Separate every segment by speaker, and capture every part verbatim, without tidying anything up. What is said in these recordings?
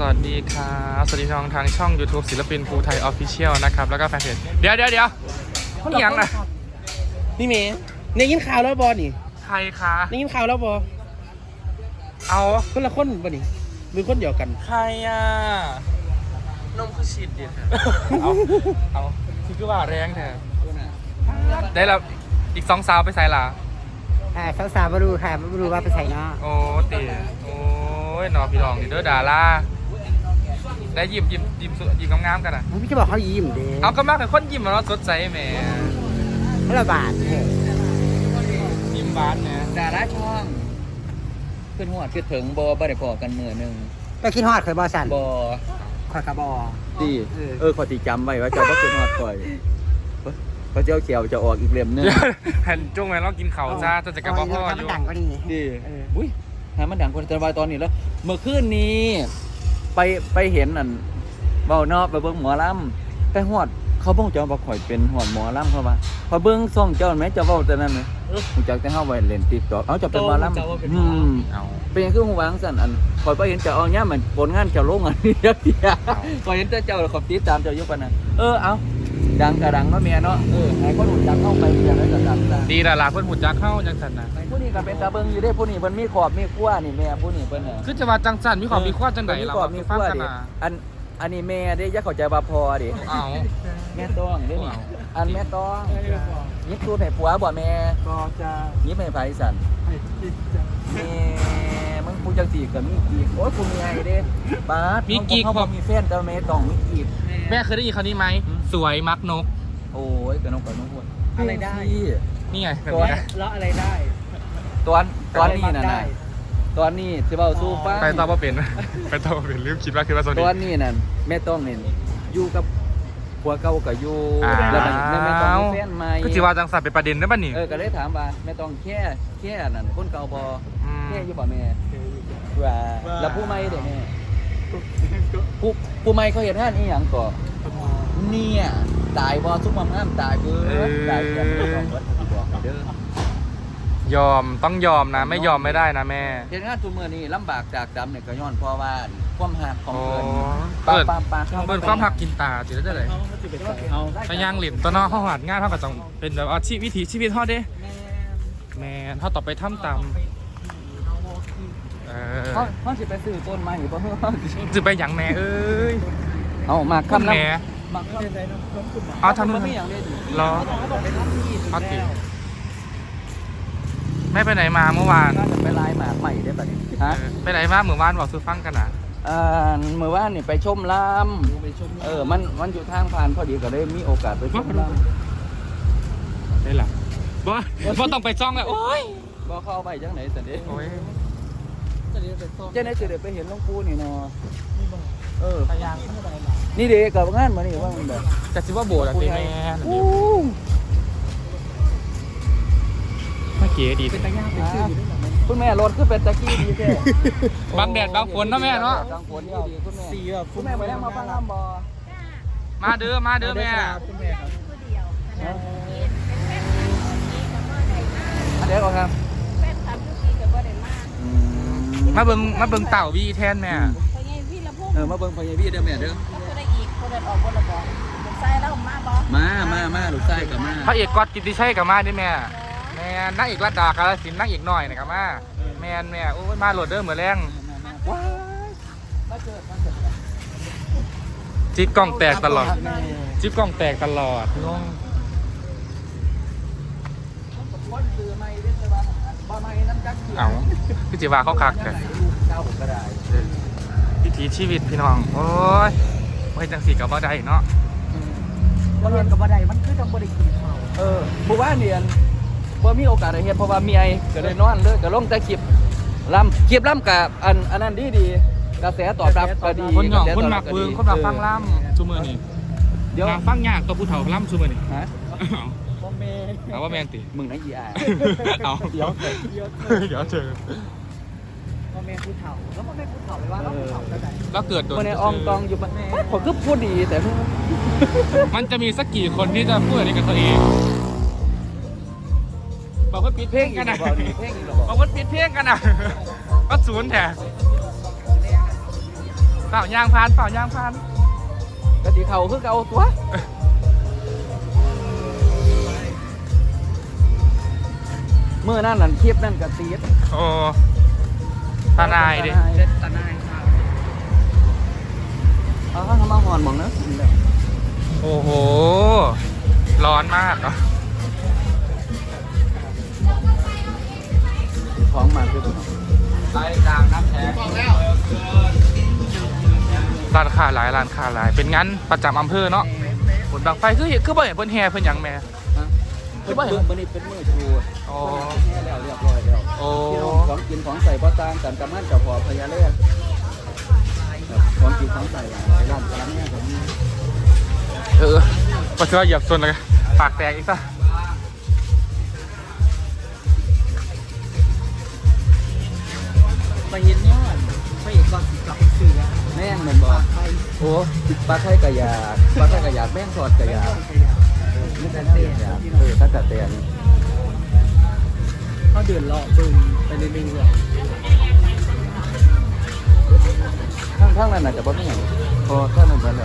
Speaker 1: วัสดีครับสวัสดีน้องทางช่อง YouTube ศิลปินภูไทยออฟฟิเชียลนะครับแล้วก็แฟนเพจเดี๋ยวเดี๋ยวเดี๋ยวนี่ยังนะ
Speaker 2: นี่เมย์เนี่ยยินข่าวแล้วบอนี่
Speaker 1: ใครคะ
Speaker 2: นี่ยินข่าวแล้วบอ
Speaker 1: เอา
Speaker 2: คนละคนบอนี่หรือคนเดียวกัน
Speaker 1: ใครอ่ะนมคือฉีดเดียวเอาเอาที่คือว่าแรงแท้ได้แล้วอีกสองสาวไปใส่ละ
Speaker 3: อ่าสาวสาวมาดูค่ะมาดูว่าไปใส่เนาะ
Speaker 1: โอ้ตีโอ้ยนอพี่รองนี่เด้อดาราได้ยิ้มยิ้มยิ้มยิ้มงามๆกันอ่ะ
Speaker 3: พี่จะบอกเขายิ้มเด้
Speaker 1: เอาก็มากแต่คนยิ้มแล้วสดใสแหม
Speaker 3: เขาละบาทเถอะ
Speaker 1: ยิ้มบานเนี่ย
Speaker 4: ดาราช่องขึ้นหัวขึ้นถึงบอบได้พอกันมือหนึ่ง
Speaker 3: ไปคิดฮอดเคยบอสัน
Speaker 4: บอ
Speaker 3: คอยกระบอ
Speaker 4: ดีเออขอตีจำไว้ว่าจะต้องขึ้นหัวคอยพระเจ้าเขียวจะออกอีกเล่มนึง
Speaker 1: เห็นจุ้งไหมเรากินเขาจ้าจะจะกับพ่อพ่ออยู่
Speaker 3: ดังก็ดี
Speaker 4: ดีอุ้ยหามันดังคนตะวันตอนนี้แล้วเมื่อคืนนี้ไปไปเห็นนั่นเบาเนาะไปเบิ้งหมอลำไปหอดเขาบ้องเจ้าบ่ข่อยเป็นหอดหมอลำเขาว่าพอเบิ้งซ่องเจ้าไหมเจ้าเบ้าแต่นั้นเลยผมจักแต่เฮาไว้เล่นติ๊กต็อกเอาจะเป็นหมอลำอืมเอาเป็นยังคือหูวางสั่นอันข่อยไปเห็นเจ้าเอาเนี้ยมันผลงานเจ้าลงอันนี้เดียวข่อยเห็นแต่เจ้าขอบติดตามเจ้าอยู่ปานนั้นเออเอาดังกระดังเนาะเมียเนาะเออไหนก็หนุนดังเข้าไปอย่างนั้นก็ดัง
Speaker 1: ดีละล่ะเพิ่นหุ่นจักเข้าจังสันนะ
Speaker 4: ผู้นี้ก็เป็นตาเบิ้งอยู่ได้ผู้นี้เพิ่นมีขอบมีขั้วนี่แม่ผู้นี้เพิ่นน่ะ
Speaker 1: คือจะว่าจังสันมีขอบมีขั้วจังไดเรา
Speaker 4: มีขั้วดิอันอันนี้แม่ได้ยักเข้าใจว่าพอดิ
Speaker 1: อ้าว
Speaker 4: แม่ต้องเด้นี่อันแม่ต้องยิบตูดให้ผัวบ่แม่
Speaker 2: ก็จะ
Speaker 4: ยิบให้ไผสั่นแม่มึงผู้จังสี่ก็มีกีกโอ้ยกูมีไอ้เด้ป๊าด
Speaker 1: มีกีก
Speaker 4: บ่มีแฟนแต่แม่ต้องมีกีก
Speaker 1: แม่เคยได้ยินคำนี้ไหมสวยมักนก
Speaker 4: โอ้ยกระนกกระนกวน
Speaker 2: อะไรได้
Speaker 1: นี่ไงแบบ
Speaker 2: นี้
Speaker 1: นะ
Speaker 2: แล้วอะไรได้
Speaker 4: ตอนตอนนี้น่ะนะตอนนี้สิเว้าสู้ฟัง
Speaker 1: ไปตอบว่าเป็นไปตอบว่าเป็นลืมคิดว่าคือว่าโซ
Speaker 4: นี่ตอนนี้นั่นแม่ต้องนี่อยู่กับผัวเก่าก็อยู่แล้วแม่แม่ต้องมีแฟนใหม่
Speaker 1: ก็สิว่าจังสันเป็นประเด็นได้ป่ะนี่
Speaker 4: เออก็เลยถามว่าแม่ต้องแค่แค่นั่นคนเก่าบ่แค่อยู่บ่แม่ว่าแล้วผู้ใหม่เด้แม่ผู้ผู้ใหม่เขาเฮ็ดงานอีหยังก่อเนี่ยตายบ่ซุ่มงามตายเบิดตายกันบ่ต้องเบิดสิบอกเด้
Speaker 1: อยอมต้องยอมนะไม่ยอมไม่ได้นะแม่
Speaker 4: เฮ็ดงานทุกมื้อนี้ลำบากจากดำเนี่ยก็ย้อนเพราะว่าความหักของเพิ่น
Speaker 1: เปิดเปิดความหักกินตาสิได้เลยถ้าย่างหลินตอนน้องเฮาหาดง่ายเท่ากับต้องเป็นแบบอาชีพวิถีชีวิตเฮาเด้แม่เฮาต่อไปทำตามเออ
Speaker 4: เฮาเฮาสิไปซื้อต้นไม้บ่เฮา
Speaker 1: สิไปหยังแม่เอ้ย
Speaker 4: เอามาคำแม่
Speaker 1: เอาทำนู่นรอเอาติแม่ไปไหนมาเมื่อวาน
Speaker 4: ไปไล่หมากใหม่ได้ป่ะนี่ฮะ
Speaker 1: ไปไหนมาเมื่อวานบอกซื้อฟังกันนะ
Speaker 4: เอ่อเมื่อวานนี่ไปชมลำเออมันมันอยู่ทางผ่านพอดีก็ได้มีโอกาสไปชมล
Speaker 1: ำได้หรอบ่บ่ต้องไปจ้องเลยโอ้ย
Speaker 4: บ่เข้าไปจังไหนแต่เด้
Speaker 1: โอ้ย
Speaker 4: จะได้จะได้ไปเห็นหลวงปู่นี่เนาะเออนี่เด็กกับงานมานี่ว่ามันแบบ
Speaker 1: จะซิว่าโบสถ์อะไรแม่เมื่อกี้ดีเป็นตะย่างเป็นชื่อ
Speaker 4: คุณแม่รถคือเป็นตะกี้ดีแท้
Speaker 1: บางแดดบางฝนนะแม่เนาะ
Speaker 4: บางฝนดีคุณแม่สี่แบบคุณแม่ไปแล้วมาฟังลำบอ
Speaker 1: มาเด้อมาเด้อแม่
Speaker 4: คุณแม่ครับเดี๋ยวก่อนครับ
Speaker 1: มาเบิ่งมาเบิ่งเต่าวีแทนแม่
Speaker 4: เออมาเบิ่งพญาวีเด้อแม่เด้อ
Speaker 5: ได้อีกคนเดินออกคนละบ่ลูกชายแล้วมาบ่
Speaker 4: มามามาลูกชายกับมา
Speaker 1: พระเอกก๊อตกิตติชัยกับมาดิแม่แม่นักเอกรัตดากาลสินนักเอกหน่อยนะครับมาแม่แม่โอ้ยมาโหลดเด้อเหมือนแรงจิ๊บกล้องแตกตลอดจิ๊บกล้องแตกตลอดงงเอาพี่จิวาเขาคักกันวิถีชีวิตพี่น้องโอ้ยไม่จังสีกับบ่ได้เนาะ
Speaker 3: บ่เรียนกับบ่ได้มันคือต้องบ่ได้กินข้าว
Speaker 4: เออบ่ว่าเรียนบ่มีโอกาสได้เฮ็ดเพราะว่ามีไอ้ก็เลยนอนเลยก็ลงแต่คลิปลำคลิปลำกับอันอันนั้นดีดีกระแสตอบรับก็ดี
Speaker 1: คนหยองคนหมักเบืองคนหมักฟังล่ำชูมือนี่เดี๋ยวฟังยากตัวผู้เฒ่าล่ำชูมือนี่ฮะเอาว่าแมงตี
Speaker 4: มึงนะอีอา
Speaker 1: เอาเดี๋ยวเดี๋ยวเจอ
Speaker 3: พ่อแม่ผู้เฒ่าแล้วพ่อแม่ผู้เฒ่าไปว่าเราผู้เฒ่าได้
Speaker 1: แล้วเกิดโดน
Speaker 4: คนในอองตองอยู่มันผมก็พูดดีแต่
Speaker 1: มันจะมีสักกี่คนที่จะพูดอะไรกับตัวเองบอกว่าปิดเพลงกันนะบอกว่าปิดเพลงกันนะก็ศูนย์แท้เปล่าย่างพานเปล่าย่างพาน
Speaker 4: กะทิเขาคือเก่าตัวเมื่อนั่นนั่นคลิปนั่นกะตีด
Speaker 1: โอ้ตาหนายดิ
Speaker 3: เด็ดตาหนายครับ
Speaker 4: เอาเข้ามาหอนหมองเนอะ
Speaker 1: โอ้โหร้อนมากอ่ะ
Speaker 4: ของมาคือไล่ตามน้ำแข็ง
Speaker 1: ร้านค้าหลายร้านค้าหลายเป็นงั้นประจำอำเภอเนาะผลบางไฟคือเห็นคือบ่เห็นเพิ่นแห่เพิ่นหยังแม่
Speaker 4: คือว่าเห็นมันนี่เป็นมือชู
Speaker 1: โอ้
Speaker 4: แค่แล้วเรียบร้อยแล้ว
Speaker 1: โอ้
Speaker 4: พี่น้องของกินของใส่พ่อตามกันกำมันเจ้าพอพญาเล่ของกินของใส่หลายร้านร้านเนี่ยผม
Speaker 1: เออก็ถือว่าเหยียบส่วนเลยปากแตกอีกซะ
Speaker 3: ไปเห็นยอดไปเห็นก่อนกลับสื่อแล้ว
Speaker 4: แม่งเหมือนบอก
Speaker 3: ไป
Speaker 4: โอ้ปลาไทยกระยาปลาไทยกระยาแม่งทอดกระยา
Speaker 3: ไม่
Speaker 4: ไม่
Speaker 3: ได้
Speaker 4: ใช่
Speaker 3: เตะ
Speaker 4: เตะเออตั้งแต่เตะนี่
Speaker 3: เขาเดินเลาะบึงไปเรื่อย
Speaker 4: ข้างข้างนั้นอาจจะบ่มีอย่างพอข้างนั้นเบิ่แล้ว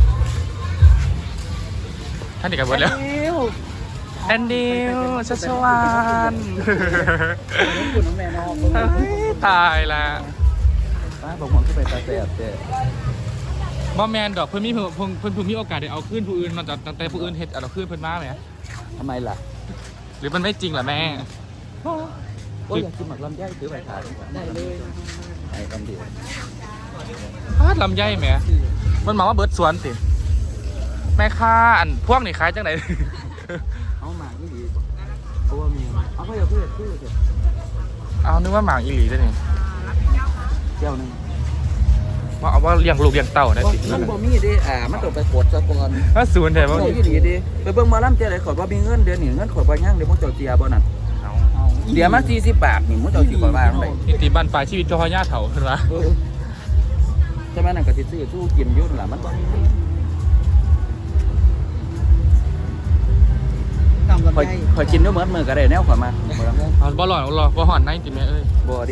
Speaker 1: ท่านอีกกันหมดแล้ว
Speaker 3: ๆเอ้ว
Speaker 1: แอนดิวชัชวาน
Speaker 3: น้องคุณน้องแม่น้อง
Speaker 1: เฮ้ยตายละ
Speaker 4: ป้าบอกผมที่ไปตาแสบเตะ
Speaker 1: บ่แมนดอกเพิ่นมีเพิ่นเพิ่นเพิ่นเพิ่นมีโอกาสได้เอาขึ้นผู้อื่นนอกจากตั้งแต่ผู้อื่นเฮ็ดเอาขึ้นเพิ่นมาไหม
Speaker 4: ทำไมล่ะ
Speaker 1: หรือมันไม่จริงล่ะแม่
Speaker 4: ก็อยากกินหมักลำไยถือไปทาน
Speaker 3: ได้เลย
Speaker 4: ไอ้คำเดียว
Speaker 1: พาดลำไยแหมมันหมายว่าเบิร์ดสวนสิแม่ค้าอันพวกนี่ขายจังไหน
Speaker 4: เอาหมากนี่ดีเพราะว่ามีเอาไปเอาเพื่อนเพื่อนเถอะ
Speaker 1: เอานึกว่าหมากอีหลีได้นี่
Speaker 4: เจ้าหนึ่ง
Speaker 1: ว่าเอาว่าเลี้ยงลูกเลี้ยงเต่าได้สิ
Speaker 4: มันบ่มีดิอ่ามันต้องไปกดซะก่อน
Speaker 1: ถ้าศูนย์แต่ว่า
Speaker 4: เจ้าอีหลีดิไปเบิ่งหมาลำเจ้าได้ขอว่ามีเงินเดือนนี่เงินขอบ่ย่างเดี๋ยวมึงเจ้าเจียบ่นั่น
Speaker 1: เอา
Speaker 4: เดี๋ยวมาสี่สิบบาทนี่มึงเจ้าสิขอว่าจังได
Speaker 1: นิติบันปลายชีวิตเจ้าพ่อย่าเถาขึ้นมา
Speaker 4: เออใช่ไหมนั่นก็สิซื้อสู้กินอยู่นั่นล่ะมันบ่มี
Speaker 3: ตามลำ
Speaker 4: ข่อย
Speaker 3: ไย
Speaker 4: ข่อยกินอยู่เหมือนมื้อก็ได้แนวข่อยมาบ่ลำไย
Speaker 1: เอาบ่หลอนหรอบ่หอนในติแม่เอ้ย
Speaker 4: บ่ดิ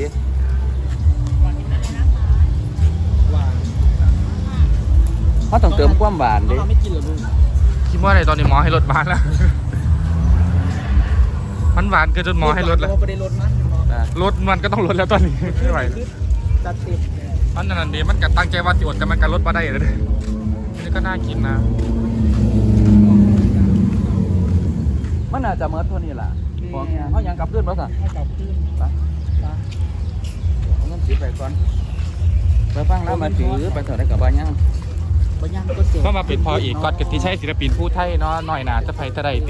Speaker 3: ว่า
Speaker 4: เขาต้องเติมความหวานดิ
Speaker 3: เราไม่กินหรอลูก
Speaker 1: คิดว่าอะไรตอนนี้หมอให้ลดบ้านแล้ว มันหวานเกินจนหมอให้ลดแล้ว
Speaker 3: เราไปได้ลดมั้ย
Speaker 4: อ่ะ
Speaker 1: ลดมันก็ต้องลดแล้วตอนนี้ไม่ไหว
Speaker 3: จัดเต็ม
Speaker 1: มันนั่นดีมันก็ตั้งใจว่าสิอดแต่มันก็ลดมาได้เลยนี่ก็น่ากินนะ
Speaker 4: มันน่าจะเหมือนเท่านี้ล่ะของเนี่ยเฮายังกลับคืนบ่ซะ
Speaker 3: ให้กลับขึ้น
Speaker 4: ไปเอาเงินสิไปก่อนไปฟังแล้วมาถือไปเท่าได้ก็บ่ยัง
Speaker 3: บ่ย่างก็เจ็บ
Speaker 1: ก็มาเป็นพออีกกอดกับที่ใช่ศิลปินผู้ไทยเนาะหน่อยหนาจะไปจะได้ติ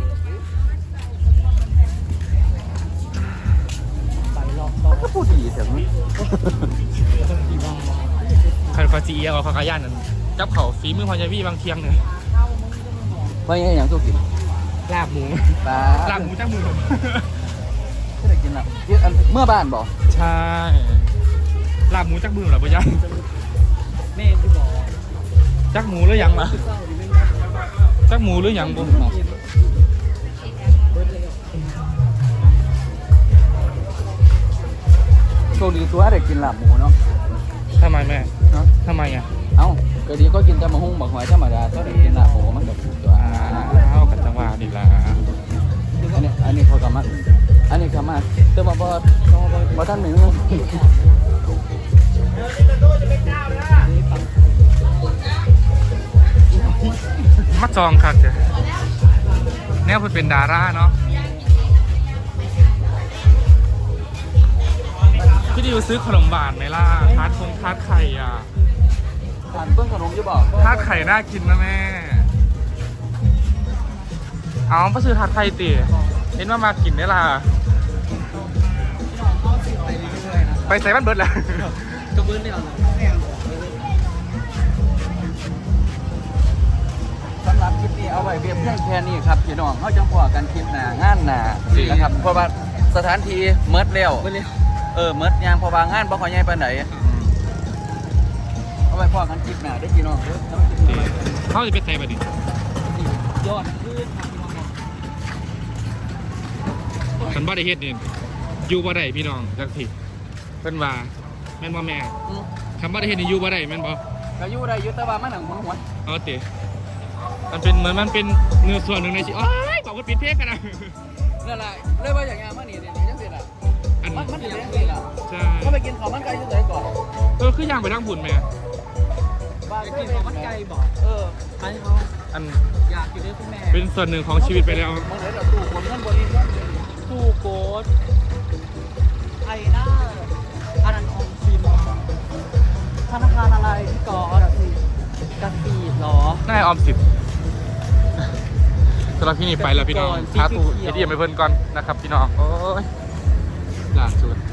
Speaker 3: ไปรอบต่อ
Speaker 4: ก็พูดดีแต่มัน
Speaker 3: ที่บ้าน
Speaker 1: คันฟาจีเอลคากาย่านนั้นจับเขาฝีมือพอยาวีบางเทียงเนี่ย
Speaker 4: บ่ยังหยังสู้กิน
Speaker 1: ลาบหมู
Speaker 4: ปลา
Speaker 1: ลาบหมูจักมือ
Speaker 4: ก็ได้กินละเยอะอันเมื่อบ้านบ่
Speaker 1: ใช่ลาบหมูจักมือเหรอพ่อย่า
Speaker 3: แม่ที่บอก
Speaker 1: จักหมูหรือยังล่ะ
Speaker 3: เศร้าดิไม่
Speaker 1: จักหมูหรือยังบุ
Speaker 3: เบิดเลย
Speaker 4: โชคดีตัวได้กินลาบหมูเนาะ
Speaker 1: ทำไมแม่
Speaker 4: เนาะ
Speaker 1: ทำไมอ่ะ
Speaker 4: เอ้าก็ดีก็กินแต่มะฮุ่งบักหอยธรรมดาก็ได้กินลาบหมูมันก็ถูกตัว
Speaker 1: อ้าวกันจังหวะดีละ
Speaker 4: อันนี้อันนี้เขากำมาอันนี้กำมาแต่ว่าบ่บ่ทันหนึ่ง
Speaker 1: มาจองคักจ้ะแนวเพิ่นเป็นดาราเนาะพี่ดิวซื้อขนมหวานไหมล่ะทาร์ตคงทาร์ตไข่อ่ะ
Speaker 4: ทานเพิ่งขนมอยู่บ่
Speaker 1: ทาร์ตไข่น่ากินนะแม่ เอาไปซื้อทาร์ตไข่ติเห็นว่ามากินได้ล่ะ
Speaker 3: ไปเรื่อยๆนะ
Speaker 1: ไปใส่บ้านเบิร์ดแล้ว
Speaker 3: ก็เบิดแล้วแม่
Speaker 4: สำหรับคลิปนี้เอาไว้เพียงแค่นี้ครับพี่น้องเขาจังพอกันคลิปหน้างานหน้านะครับเพราะว่าสถานที่เมิดแล้ว
Speaker 3: เบิดแล้ว
Speaker 4: เออเมิดยางเพราะว่างานบ่ค่อยใหญ่ปานใดเอาไว้พอกันคลิปหน้าได้อพี่น้องเด้อ
Speaker 1: เขาจะไปใส่บัดนี้
Speaker 3: ยอดขึ้นครับพี่น้อง
Speaker 1: ฉันบ่ได้เฮ็ดนี่อยู่บ่ได้พี่น้องจักทีเพิ่นว่าแม่นบ่แม่
Speaker 4: อืม
Speaker 1: คำว่าได้เห็นในยูว่าได้แม่นบอ
Speaker 4: ก็อยู่ได้อยู่แต่ว่ามันหนังหัวหัว
Speaker 1: เอาเตะมันเป็นเหมือนมันเป็นเนื้อส่วนหนึ่งในชีวิตโอ้ยบอกว่าปิดเพลงกันนะ
Speaker 4: นั่นแหละเลยว่าอย่างเงี้ยมันนี่เนี่ยยังสิล่ะ
Speaker 1: อัน
Speaker 4: มันมันเป็นยังสิล่ะ
Speaker 1: ใช่
Speaker 4: ก็ไปกินข้าวมันไก่ที่ไหนก่อน
Speaker 1: เออคือย่างไปทั้งบุญไหม
Speaker 4: บ้าน
Speaker 3: จะ
Speaker 4: เค
Speaker 3: กิ
Speaker 4: ย
Speaker 3: น
Speaker 4: ไป
Speaker 3: ของมันไก่บอก
Speaker 4: เออ
Speaker 3: อันนี้เขา
Speaker 1: อัน
Speaker 3: อยากอยู่ด้วยคุณแม่
Speaker 1: เป็นส่วนหนึ่งของชีวิตไปแล้ว
Speaker 4: มันเลยเราตู้คนเงินบริเงิน
Speaker 3: ตู้โกดไอ้หน้าอันนั้นออมสินธนาคารอะไรพี่กอดกระสีหรอ
Speaker 1: น่าออมสิบสำหรับพี่นี่ไปแล้วพี่น้อง
Speaker 3: ก่อน
Speaker 1: ท้าตู
Speaker 3: สีเขียว
Speaker 1: เอทีเอ็มไปเพิ่นก่อนนะครับพี่น้องโอ้ยล่าสุด